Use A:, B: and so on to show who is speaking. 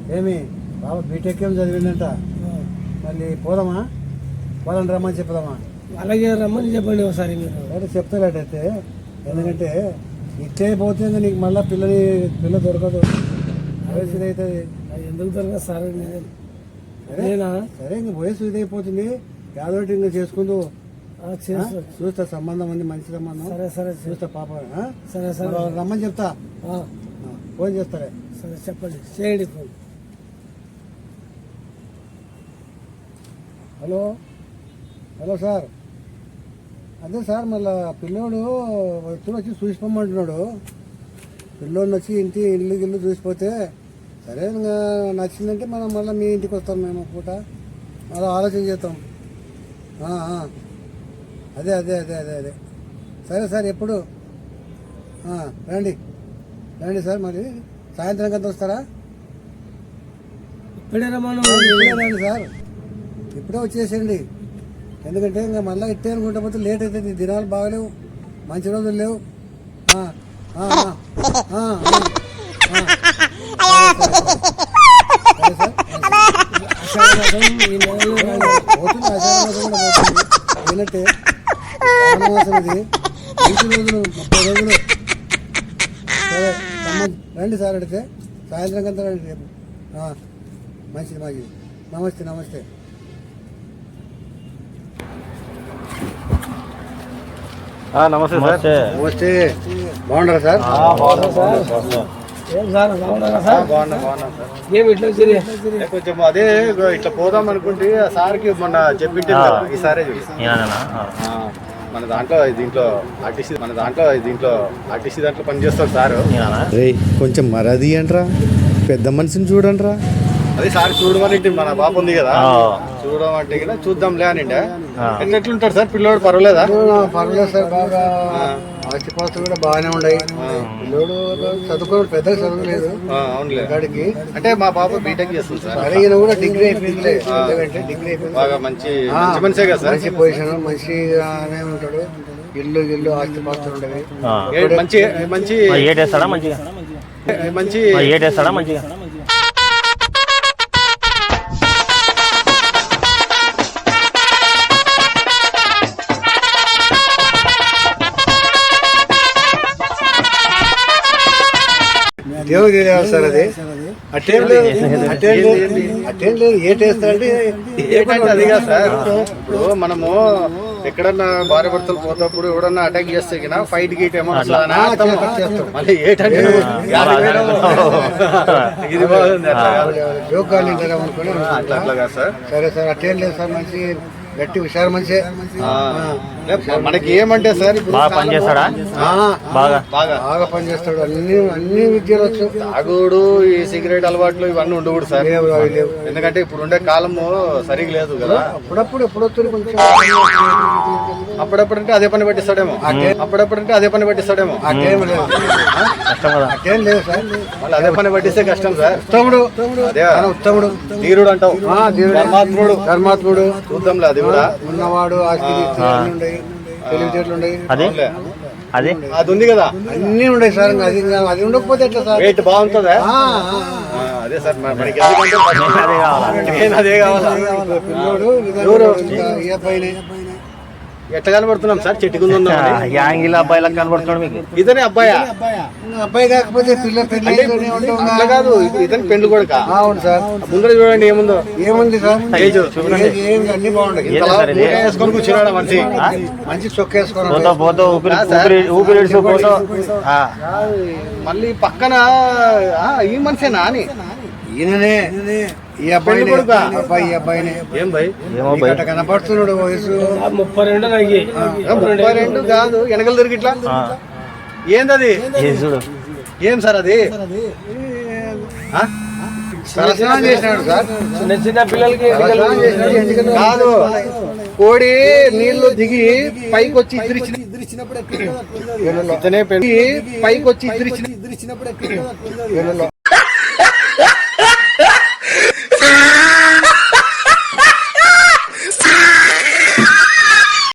A: ఏమి బాబా బీటెక్ ఏం చదివిందంట. మళ్ళీ పోదామా? పోదాం రమ్మని చెప్దామా?
B: అలాగే రమ్మని చెప్పండి ఒకసారి మీరు.
A: అంటే చెప్తారటైతే, ఎందుకంటే ఇట్లే పోతే నీకు మళ్ళీ పిల్ల దొరకదు. వయసు ఇదవుతుంది.
B: ఎందుకు దొరకదు సార్?
A: సరే ఇంక వయసు ఇదైపోతుంది. యాదోటి ఇంకా చేసుకుంటూ చూస్తా. సంబంధం ఉంది, మంచి సంబంధం.
B: సరే సరే
A: చూస్తా పాప.
B: సరే సరే
A: రమ్మని చెప్తా. ఫోన్ చేస్తారే.
B: సరే చెప్పండి, చేయండి ఫోన్.
A: హలో హలో సార్, అదే సార్ మళ్ళా పిల్లోడు ఎప్పుడు వచ్చి చూసిపోమంటున్నాడు. పిల్లోడిని వచ్చి ఇల్లు చూసిపోతే సరే ఇంకా నచ్చిందంటే మనం మళ్ళీ మీ ఇంటికి వస్తాం. మేము పూట అలా ఆలోచన చేస్తాం. అదే అదే అదే అదే అదే సరే సార్, ఎప్పుడు రండి రండి సార్. మరి సాయంత్రం కంతా వస్తారా?
B: ఇప్పుడే
A: రండి సార్, ఇప్పుడే వచ్చేసేయండి. ఎందుకంటే ఇంకా మళ్ళీ ఇట్టే అనుకుంటా పోతే లేట్ అవుతుంది. దినాలు బాగలేవు, మంచి రోజులు లేవు. పోతుంది ఆషాఢమాసం కూడా పోతుంది. ఏంటంటే శ్రావణమాసం ఇది 20 రోజులు 30 రోజులు. సరే రండి సార్, అడిగితే సాయంత్రం కంతా రండి రేపు. మంచిది మంచిది. నమస్తే నమస్తే.
C: నమస్తే సార్.
A: నమస్తే. బాగున్నారా సార్?
C: కొంచెం అదే ఇట్లా పోదాం అనుకుంటే సార్కి మొన్న చెప్పింటే ఈసారే మన దీంట్లో ఆర్టీసీ దాంట్లో పనిచేస్తారు సార్.
A: కొంచెం మరది అంటరా, పెద్ద మనిషిని చూడండిరా.
C: అదే సార్ చూడమని మన పాప ఉంది కదా, చూడమంటే కదా చూద్దాంలే అని. ఎట్లుంటాడు సార్ పిల్లోడు? పర్వాలేదా?
A: పర్వాలేదు సార్, బాగా ఆస్తిపాస్తులు కూడా బాగానే ఉన్నాయి. పిల్లోడు చదువుకోవడం పెద్దగా చదవలేదు.
C: అవునులే.
A: వాడికి
C: అంటే మా పాప బీటెక్ చేస్తుంది సార్.
A: అడిగిన కూడా డిగ్రీ అయిపోయింది. డిగ్రీ అయిపోయింది.
C: బాగా మంచి మనిషే కదా సార్.
A: మంచి పొజిషన్, మంచిగానే ఉంటాడు. ఇల్లు ఆస్తిపాస్తులు ఉండేవి.
C: మంచి మంచి ఏటేస్తాడా మంచిగా? మంచి ఏటేస్తాడా మంచిగా?
A: దేవుడు తెలియాలి సార్. అది అట్టేం లేదు. ఏటేస్తాడంటే
C: అది కాదు సార్. ఇప్పుడు మనము ఎక్కడన్నా భార్య భర్తలు పోతప్పుడు ఎవడన్నా అటాక్ చేస్తే ఫైట్ గీట్ ఏమో మళ్ళీ ఏటంటే ఇది బాగుంది.
A: జోగాలు అనుకుని
C: అట్లా కాదు సార్.
A: సరే సార్, అట్టేం లేదు సార్. మంచి గట్టి హుషారు మనిషి.
C: మనకి ఏమంటే సార్ బాగా పనిచేస్తాడా? బాగా
A: పనిచేస్తాడు. అన్ని విద్యలు వచ్చు.
C: తాగుడు, ఈ సిగరెట్ అలవాట్లు ఇవన్నీ ఉండకూడదు సార్. ఎందుకంటే ఇప్పుడు ఉండే కాలము సరిగా లేదు కదా.
A: ఎప్పుడొస్తుంది కొంచెం.
C: అప్పుడప్పుడంటే అదే పని పట్టిస్తాడేమో.
A: అట్టేం లేదు. అట్టేం లేదు సార్.
C: మళ్ళీ అదే పని పట్టిస్తే కష్టం సార్.
A: ఉత్తముడు
C: ధీరుడు అంటావు.
A: ధర్మాత్ముడు
C: చూద్దాంలే. అది కూడా
A: ఉన్నవాడు, ఆస్తి తెలివితేటలు ఉన్నాయి.
C: అది ఉంది కదా,
A: అన్ని ఉన్నాయి సార్. అది ఉండకపోతే ఎట్లా సార్?
C: రేట్ బాగుంటుందా? అదే సార్, మనకి అదే కావాలా. ఎట్లా కనబడుతున్నాం సార్? చెట్టుకుందా యాంగిల్ అబ్బాయిలా కనబడుతున్నాడు మీకు? ఇతనే అబ్బాయి
A: కాకపోతే
C: అట్లా కాదు, ఇతని పెళ్లి కొడుక.
A: అవును సార్.
C: ముందర చూడండి
A: ఏముంది సార్.
C: అన్ని బాగుంటాయి. వేసుకొని కూర్చున్నాడు మనిషి.
A: మంచి చొక్కేసుకో
C: మళ్ళీ పక్కన ఈ మనిషేనా అని.
A: ఈయననే ఈ అబ్బాయి అబ్బాయిని.
C: ఏం భయ్
A: కనపడుతున్నాడు. వయసు
C: 32 కాదు, వెనకలు తిరిగి ఇట్లా. ఏందది? ఏం సార్ అది?
A: చేసినాడు సార్.
B: చిన్న పిల్లలకి
C: కాదు, కోడి నీళ్లు దిగి పైకి వచ్చి ఇద్దరిచ్చినప్పుడు ఇతనే పైకి వచ్చి ఇద్దరిచ్చినప్పుడు